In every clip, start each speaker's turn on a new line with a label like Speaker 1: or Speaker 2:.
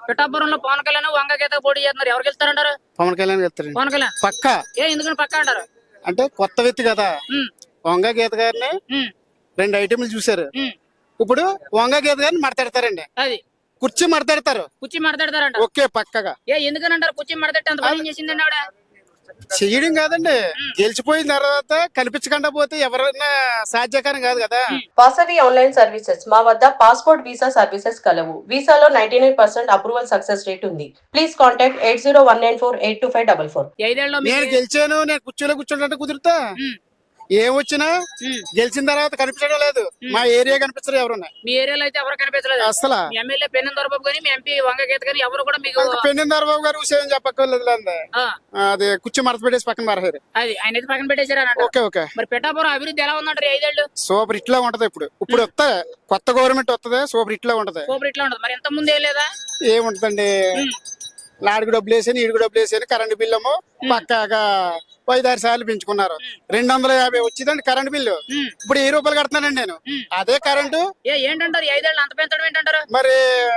Speaker 1: పిఠాపురంలో పవన్ కళ్యాణ్ వంగ గీత పోటీ చేస్తున్నారు. ఎవరు గెలుస్తారంటారు?
Speaker 2: పవన్ కళ్యాణ్ గెలుస్తారు.
Speaker 1: పవన్ కళ్యాణ్
Speaker 2: పక్క.
Speaker 1: ఎందుకని పక్క అంటారు?
Speaker 2: అంటే కొత్త వ్యక్తి కదా. వంగ గీత గారిని 2 ఐటెంలు చూసారు. ఇప్పుడు వంగ గీత గారిని మడతెడతారండి.
Speaker 1: అది
Speaker 2: కుర్చీ మడతెడతారు.
Speaker 1: కుర్చీ మడతెడతారంట.
Speaker 2: ఓకే పక్కగా.
Speaker 1: ఎందుకని అంటారు కుర్చీ మడతెట్టి అంత పని చేసిందండి ఆవిడ?
Speaker 2: చెయ్యడం కాదండి, గెలిచిపోయిన తర్వాత కనిపించకుండా పోతే ఎవరైనా సాధ్యకారం కాదు కదా.
Speaker 3: వాసవి ఆన్లైన్ సర్వీసెస్ మా వద్ద పాస్పోర్ట్ వీసా సర్వీసెస్ కలవు. వీసాలో 99% అప్రూవల్ సక్సెస్ రేట్ ఉంది. Please contact 8019482544.
Speaker 2: నేను గెలిచాను, నేను కుర్చీలో కూర్చుంటే కుదురుతా? ఏమొచ్చినా గెలిచిన తర్వాత కనిపించడం లేదు. మా ఏరియా కనిపించరు ఎవరున్నా.
Speaker 1: మీ ఏరియాలో అయితే ఎవరు కనిపించలేదు
Speaker 2: అసలు.
Speaker 1: మీ ఎమ్మెల్యే పెన్నెం దొరబాబు గానీ మీ ఎంపీ వంగ గీత గానీ ఎవరు కూడా మీకు
Speaker 2: పెన్నెం దొరబాబు గారు విషయం చెప్పక్కర్లేదు. అది కుర్చీ మడత పెట్టేసి పక్కన మారారు.
Speaker 1: అది ఆయన అయితే పక్కన పెట్టేశారు.
Speaker 2: Okay okay.
Speaker 1: మరి పిఠాపురం అభివృద్ధి ఎలా ఉందంటారు 5 ఏళ్ళు?
Speaker 2: సూపర్ ఇట్లా ఉంటది. ఇప్పుడు వస్తా కొత్త గవర్నమెంట్ వస్తుంది, సూపర్ ఇట్లా ఉంటది.
Speaker 1: సూపర్ ఇట్లా ఉంటది. మరి ఎంత ముందు ఏం లేదా?
Speaker 2: ఏముంటదండి, లాడికి డబ్బులు వేసాను, ఈడికి డబ్బులు వేసాను. కరెంట్ బిల్లు పక్కాగా 5-6 సార్లు పెంచుకున్నారు. 250 వచ్చిందండి కరెంట్ బిల్లు. ఇప్పుడు 1000 రూపాయలు కడుతున్నానండి నేను. అదే కరెంటు.
Speaker 1: ఏంటంటారు 5 ఏళ్ళు అంత పెంచడం ఏంటంటారు?
Speaker 2: మరి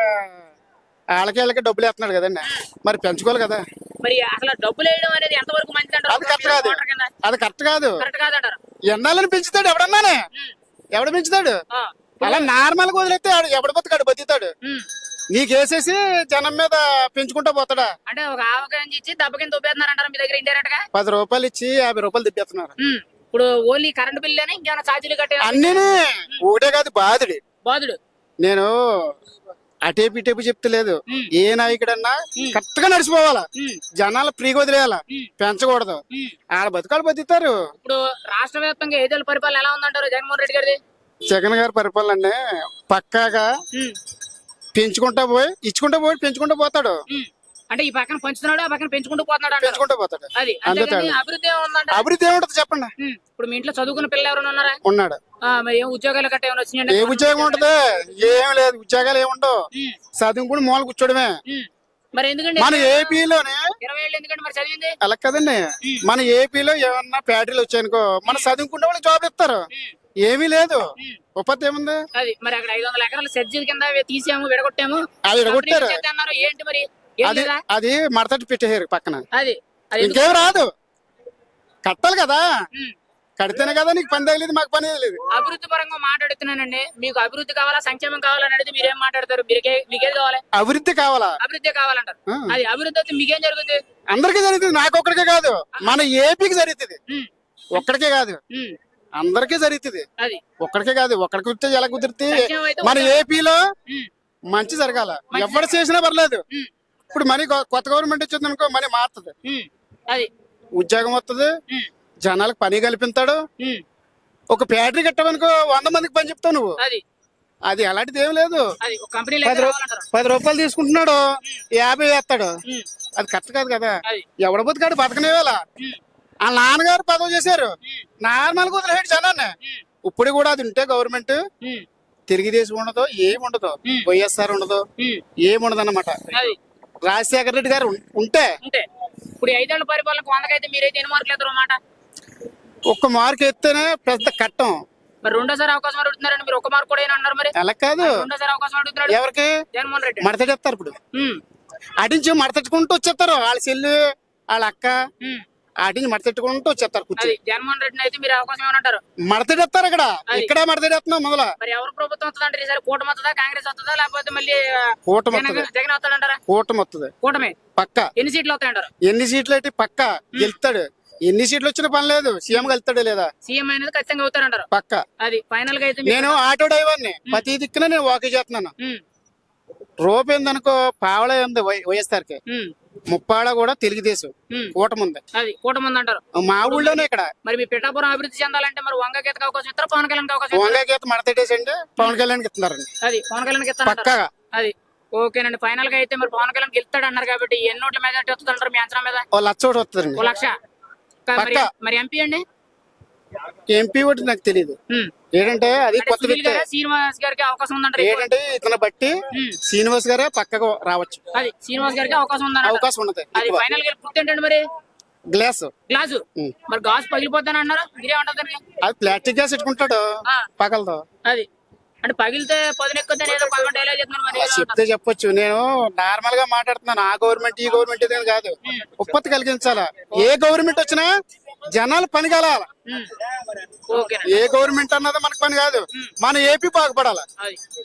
Speaker 2: వాళ్ళకి డబ్బులు వేస్తున్నాడు కదండి, మరి పెంచుకోవాలి కదా.
Speaker 1: మరి అసలు డబ్బులు వేయడం అనేది ఎంత వరకు మంచిది అంటారు?
Speaker 2: అది కరెక్ట్ కాదు. అది కరెక్ట్ కాదు.
Speaker 1: కరెక్ట్ కాదంటారు.
Speaker 2: ఎన్నాళ్ళని పెంచుతాడు ఎవడన్నానే? ఎవడు పెంచుతాడు? అలా నార్మల్ గా వదిలేస్తే ఎవడు బతుకాడు బతుకుతాడు. నీకేసేసి జనం మీద పెంచుకుంటా పోతాడా?
Speaker 1: అంటే ఒక ఆవకాయ ఇచ్చి దెబ్బ కింద దొబ్బేస్తున్నారంటారు మీ దగ్గర ఇండైరెక్ట్ గా.
Speaker 2: 10 రూపాయలు ఇచ్చి 50 రూపాయలు తిప్పేస్తున్నారు.
Speaker 1: ఇప్పుడు ఓన్లీ కరెంట్ బిల్ అని ఇంకేమైనా ఛార్జీలు కట్టే
Speaker 2: అన్నీ ఒకటే కాదు. బాధుడు నేను అటేపు ఇటేపు చెప్తలేదు. ఏ నాయకుడన్నా కరెక్ట్ గా నడిచిపోవాలా, జనాలు ఫ్రీగా వదిలేయాలా, పెంచకూడదు. ఆడ బతుకాలు బతుకుతారు.
Speaker 1: ఇప్పుడు రాష్ట్ర వ్యాప్తంగా 5 ఏళ్ళ పరిపాలన ఎలా ఉందంటారు జగన్మోహన్ రెడ్డి గారిది?
Speaker 2: జగన్ గారి పరిపాలన పక్కాగా పెంచుకుంటా పోయి ఇచ్చుకుంటా పోయి పెంచుకుంటూ పోతాడు.
Speaker 1: అంటే ఈ పక్కన పెంచుతున్నాడు, ఆ పక్కన పెంచుకుంటూ పోతున్నాడు.
Speaker 2: పెంచుకుంటూ పోతాడు.
Speaker 1: అది అభివృద్ధి
Speaker 2: అభివృద్ధి ఏముంటది చెప్పండి.
Speaker 1: ఇప్పుడు మీ ఇంట్లో చదువుకున్న పిల్లలు ఎవరైనా ఉన్నారా?
Speaker 2: ఉన్నాడు.
Speaker 1: మరి ఏం ఉద్యోగాలు కట్ట ఏమైనా వచ్చినాయండి?
Speaker 2: ఏ ఉద్యోగం ఉంటది? ఏం లేదు, ఉద్యోగాలు ఏముండవు. చదువుకుని మూల కూర్చోడమే.
Speaker 1: మరి ఎందుకండి
Speaker 2: మన ఏపీలోనే
Speaker 1: 20 ఏళ్ళు ఎందుకంటే మరి చదివింది
Speaker 2: అలా కదండి. మన ఏపీలో ఏమన్నా ఫ్యాక్టరీలు వచ్చాయనుకో, మన చదువుకునే వాళ్ళకి జాబ్ ఇస్తారు. ఏమీ లేదు, ఉపాధి ఏముంది?
Speaker 1: అది మరి అక్కడ 500 ఎకరాలు సెర్జీ కింద తీసాము, విడగొట్టాము.
Speaker 2: అది విడగొట్టారు.
Speaker 1: ఏంటి మరి?
Speaker 2: అది మడతటి పెట్టేసారు పక్కన.
Speaker 1: అది
Speaker 2: ఇంకేం రాదు, కట్టాలి కదా. కడితేనే కదా నీకు పని తగిలేదు, మాకు పని తగిలేదు.
Speaker 1: అభివృద్ధి పరంగా మాట్లాడుతున్నానండి. మీకు అభివృద్ధి కావాలా, సంక్షేమం కావాలని అడిగితే మీరేం మాట్లాడతారు? మీకేం కావాలి?
Speaker 2: అభివృద్ధి కావాలా?
Speaker 1: అభివృద్ధి కావాలంటారు. అది అభివృద్ధి అయితే మీకేం జరుగుతుంది?
Speaker 2: అందరికీ జరుగుతుంది, నాకు ఒక్కడికే కాదు, మన ఏపీకి జరుగుతుంది. ఒక్కడికే కాదు, అందరికీ జరుగుతుంది.
Speaker 1: అది
Speaker 2: ఒక్కడికే కాదు. ఒక్కడికి కుదిరితే ఎలా కుదిరితే మన ఏపీలో మంచి జరగాల. ఎవరు చేసినా పర్లేదు. ఇప్పుడు మనీ కొత్త గవర్నమెంట్ వచ్చింది అనుకో, మనీ మారుతుంది.
Speaker 1: అది
Speaker 2: ఉద్యోగం వస్తుంది, జనాలకు పని కల్పిస్తాడు. ఒక ఫ్యాక్టరీ కట్టావనుకో 100 మందికి పని చెప్తావు నువ్వు. అది అలాంటిది ఏం లేదు. 10 రూపాయలు తీసుకుంటున్నాడు, 50 వేస్తాడు. అది కరెక్ట్ కాదు కదా. ఎవడ బతుకాడు బతకనేవేళ. ఆ నాన్నగారు పదవి చేశారు, నార్మల్ గా వదిలేడు జనాన్ని. ఇప్పుడు కూడా అది ఉంటే గవర్నమెంట్ తెలుగుదేశం ఉండదు, ఏముండదు, వైఎస్ఆర్ ఉండదు, ఏముండదు అన్నమాట. రాజశేఖర రెడ్డి గారు ఉంటే
Speaker 1: ఇప్పుడు 5 ఏళ్ల పరిపాలనకు 100కైతే మీరైతే ఎన్ని మార్కులు ఎత్తారు అన్నమాట?
Speaker 2: 1 మార్కు ఎత్తేనే పెద్ద కట్టం.
Speaker 1: మరి రెండోసారి అవకాశం అడుగుతున్నారండి మీరు. 1 మార్కు కూడా అన్నారు. మరి
Speaker 2: అలా కాదు,
Speaker 1: రెండోసారి అవకాశం అడుగుతున్నాడు.
Speaker 2: ఎవరికి?
Speaker 1: జగన్మోహన్ రెడ్డి.
Speaker 2: మడతెడతారు. ఇప్పుడు అటించి మడతెట్టుకుంటూ వచ్చేస్తారు. వాళ్ళ చెల్లి, వాళ్ళ అక్క అటించి మడతెట్టుకుంటూ వచ్చేస్తారు. కూర్చొని
Speaker 1: జగన్మోహన్ రెడ్డి అయితే మీరు అవకాశం ఏమనంటారు?
Speaker 2: మడతెడతారు. ఇక్కడ మడతెడేస్తున్నాం మొదల.
Speaker 1: మరి ఎవరు ప్రభుత్వం వస్తుందంటారు ఈసారి? కూటమి వస్తుందా, కాంగ్రెస్ వస్తుందా, లేకపోతే మళ్ళీ జగన్ వస్తాడంటారా?
Speaker 2: కూటమి వస్తుంది.
Speaker 1: కూటమి
Speaker 2: పక్క.
Speaker 1: ఎన్ని సీట్లు వస్తాయంటారు?
Speaker 2: ఎన్ని సీట్లు అయితే పక్క గెలుస్తాడు. ఎన్ని సీట్లు వచ్చిన పని లేదు, సీఎం వెళ్తాడు లేదా?
Speaker 1: సీఎం అనేది ఖచ్చితంగా అవుతారంటారు పక్క. అది ఫైనల్ గా అయితే
Speaker 2: నేను ఆటో డ్రైవర్ని, ప్రతి దిక్కున నేను వాకి చేస్తున్నాను. రూపు ఏందనుకో, పావళ ఉంది వైఎస్ఆర్కి, ముప్పాడ కూడా తెలుగుదేశం కూటమి ఉంది.
Speaker 1: అది కూటమి ఉంది అంటారు
Speaker 2: మా ఊళ్ళోనే. ఇక్కడ
Speaker 1: మరి మీ పిఠాపురం అభివృద్ధి చెందాలంటే మరి వంగ గీతకు అవకాశం ఇస్తారా, పవన్ కళ్యాణ్ అవకాశం?
Speaker 2: వంగ గీత మడతెట్టేసండి పవన్ కళ్యాణ్ ఇస్తున్నారండి.
Speaker 1: అది పవన్ కళ్యాణ్ ఇస్తారు
Speaker 2: పక్కగా.
Speaker 1: అది ఓకేనండి. ఫైనల్ గా అయితే మరి పవన్ కళ్యాణ్ గెలుస్తాడు అన్నారు కాబట్టి ఎన్ని ఓట్ల మెజార్టీ వస్తుంది అంటారు మీ అంచనా మీద?
Speaker 2: 1,00,000 ఓటు వస్తుందండి.
Speaker 1: 1,00,000. మరి ఎంపీ అండి?
Speaker 2: ఎంపీ ఓటు నాకు తెలియదు. ఏంటంటే అది కొత్త వ్యక్తి.
Speaker 1: శ్రీనివాస్ గారికి అవకాశం ఉందంటారు.
Speaker 2: ఏంటంటే ఇతను బట్టి శ్రీనివాస్ గారే పక్కగా రావచ్చు.
Speaker 1: అది శ్రీనివాస్ గారికి అవకాశం ఉందండి.
Speaker 2: అవకాశం ఉన్నది.
Speaker 1: అది ఫైనల్ గా గుర్తు ఏంటండి మరి?
Speaker 2: గ్లాసు.
Speaker 1: మరి గాజు పగిలిపోద్దని అన్నారు, మీరేమంటారు దానికి?
Speaker 2: అది ప్లాస్టిక్ గ్లాస్ పెట్టుకుంటాడు పగలతో.
Speaker 1: అది అంటే పగిలితే పదునెక్కుద్దని ఏదో పదకొండు డైలాగ్ చెప్తున్నాను మరి ఏదో
Speaker 2: చెప్తే చెప్పొచ్చు. నేను నార్మల్ గా మాట్లాడుతున్నాను. ఆ గవర్నమెంట్ ఈ గవర్నమెంట్ ఇదేం కాదు. ఉత్పత్తి కలిగించాలా. ఏ గవర్నమెంట్ వచ్చినా జనాలు పని కలాల.
Speaker 1: ఓకే
Speaker 2: ఏ గవర్నమెంట్ అన్నది మనకు పని కాదు. మన ఏపీ బాగుపడాలి.
Speaker 1: అది